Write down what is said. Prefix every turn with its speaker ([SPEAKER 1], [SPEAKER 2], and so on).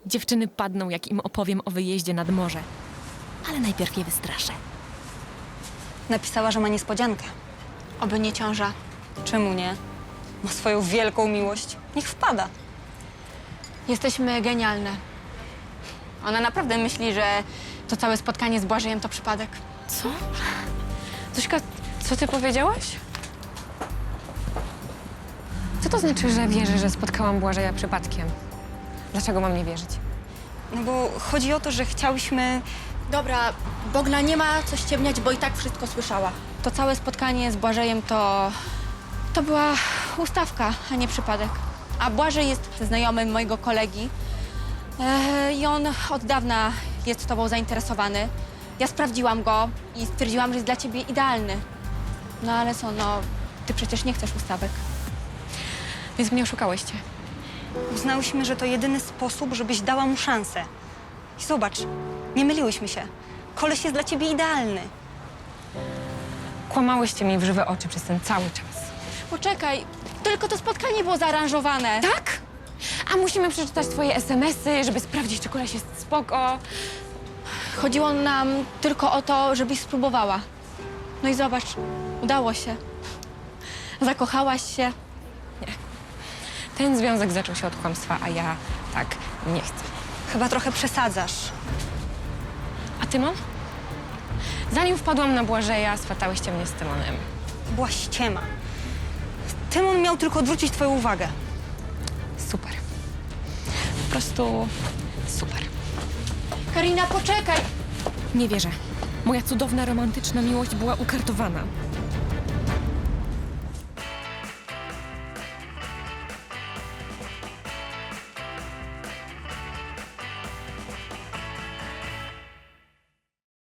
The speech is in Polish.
[SPEAKER 1] Dziewczyny padną, jak im opowiem o wyjeździe nad morze. Ale najpierw je wystraszę.
[SPEAKER 2] Napisała, że ma niespodziankę.
[SPEAKER 3] Oby nie ciąża.
[SPEAKER 2] Czemu nie? Ma swoją wielką miłość. Niech wpada.
[SPEAKER 3] Jesteśmy genialne. Ona naprawdę myśli, że to całe spotkanie z Błażejem to przypadek.
[SPEAKER 1] Co?
[SPEAKER 3] Zośka, co ty powiedziałaś? Co to znaczy, że wierzę, że spotkałam Błażeja przypadkiem? Dlaczego mam nie wierzyć?
[SPEAKER 2] No bo chodzi o to, że chciałyśmy...
[SPEAKER 4] Dobra, Bogna nie ma co ściemniać, bo i tak wszystko słyszała.
[SPEAKER 3] To całe spotkanie z Błażejem to była ustawka, a nie przypadek. A Błażej jest znajomym mojego kolegi i on od dawna jest tobą zainteresowany. Ja sprawdziłam go i stwierdziłam, że jest dla ciebie idealny. No ale co, no, ty przecież nie chcesz ustawek. Więc mnie oszukałyście.
[SPEAKER 2] Uznałyśmy, że to jedyny sposób, żebyś dała mu szansę. I zobacz, nie myliłyśmy się. Koleś jest dla ciebie idealny.
[SPEAKER 3] Kłamałyście mi w żywe oczy przez ten cały czas.
[SPEAKER 4] Poczekaj, tylko to spotkanie było zaaranżowane.
[SPEAKER 3] Tak? A musimy przeczytać twoje SMS-y, żeby sprawdzić, czy koleś jest spoko.
[SPEAKER 4] Chodziło nam tylko o to, żebyś spróbowała. No i zobacz, udało się. Zakochałaś się.
[SPEAKER 3] Ten związek zaczął się od kłamstwa, a ja tak nie chcę.
[SPEAKER 2] Chyba trochę przesadzasz.
[SPEAKER 3] A Tymon? Zanim wpadłam na Błażeja, swatałyście mnie z Tymonem.
[SPEAKER 2] Była ściema. Tymon miał tylko odwrócić twoją uwagę.
[SPEAKER 3] Super. Po prostu super.
[SPEAKER 4] Karina, poczekaj!
[SPEAKER 1] Nie wierzę. Moja cudowna, romantyczna miłość była ukartowana.